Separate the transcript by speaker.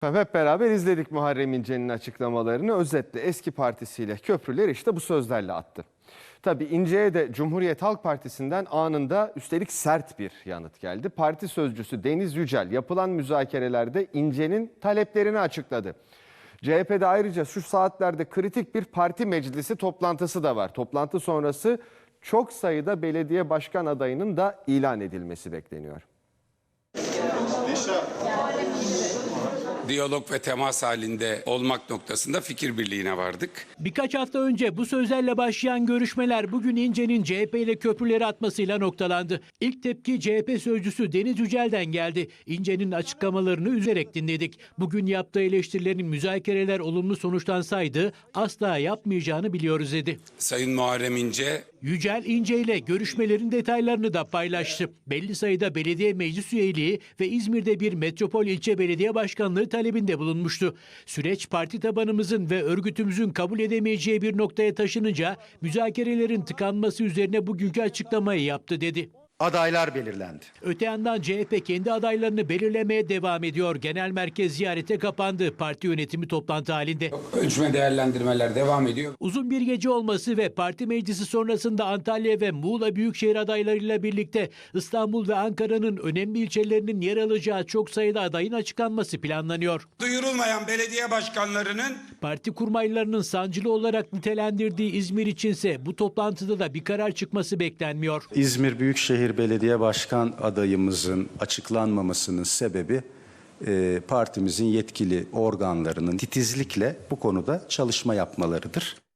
Speaker 1: Hep beraber izledik Muharrem İnce'nin açıklamalarını. Özetle eski partisiyle köprüler işte bu sözlerle attı. Tabii İnce'ye de Cumhuriyet Halk Partisi'nden anında üstelik sert bir yanıt geldi. Parti sözcüsü Deniz Yücel yapılan müzakerelerde İnce'nin taleplerini açıkladı. CHP'de ayrıca şu saatlerde kritik bir parti meclisi toplantısı da var. Toplantı sonrası çok sayıda belediye başkan adayının da ilan edilmesi bekleniyor.
Speaker 2: Diyalog ve temas halinde olmak noktasında fikir birliğine vardık.
Speaker 3: Birkaç hafta önce bu sözlerle başlayan görüşmeler bugün İnce'nin CHP ile köprüleri atmasıyla noktalandı. İlk tepki CHP sözcüsü Deniz Yücel'den geldi. İnce'nin açıklamalarını üzerek dinledik. Bugün yaptığı eleştirilerin müzakereler olumlu sonuçlansaydı asla yapmayacağını biliyoruz dedi.
Speaker 2: Sayın Muharrem İnce,
Speaker 3: Yücel İnce ile görüşmelerin detaylarını da paylaştı. Belli sayıda belediye meclis üyeliği ve İzmir'de bir metropol ilçe belediye başkanlığı talebinde bulunmuştu. Süreç parti tabanımızın ve örgütümüzün kabul edemeyeceği bir noktaya taşınınca müzakerelerin tıkanması üzerine bugünkü açıklamayı yaptı dedi.
Speaker 4: Adaylar belirlendi.
Speaker 3: Öte yandan CHP kendi adaylarını belirlemeye devam ediyor. Genel merkez ziyarete kapandı. Parti yönetimi toplantı halinde.
Speaker 2: ölçme değerlendirmeler devam ediyor.
Speaker 3: Uzun bir gece olması ve parti meclisi sonrasında Antalya ve Muğla büyükşehir adaylarıyla birlikte İstanbul ve Ankara'nın önemli ilçelerinin yer alacağı çok sayıda adayın açıklanması planlanıyor.
Speaker 2: Duyurulmayan belediye başkanlarının
Speaker 3: Parti kurmaylarının sancılı olarak nitelendirdiği İzmir içinse bu toplantıda da bir karar çıkması beklenmiyor.
Speaker 4: İzmir Büyükşehir Belediye Başkan adayımızın açıklanmamasının sebebi partimizin yetkili organlarının titizlikle bu konuda çalışma yapmalarıdır.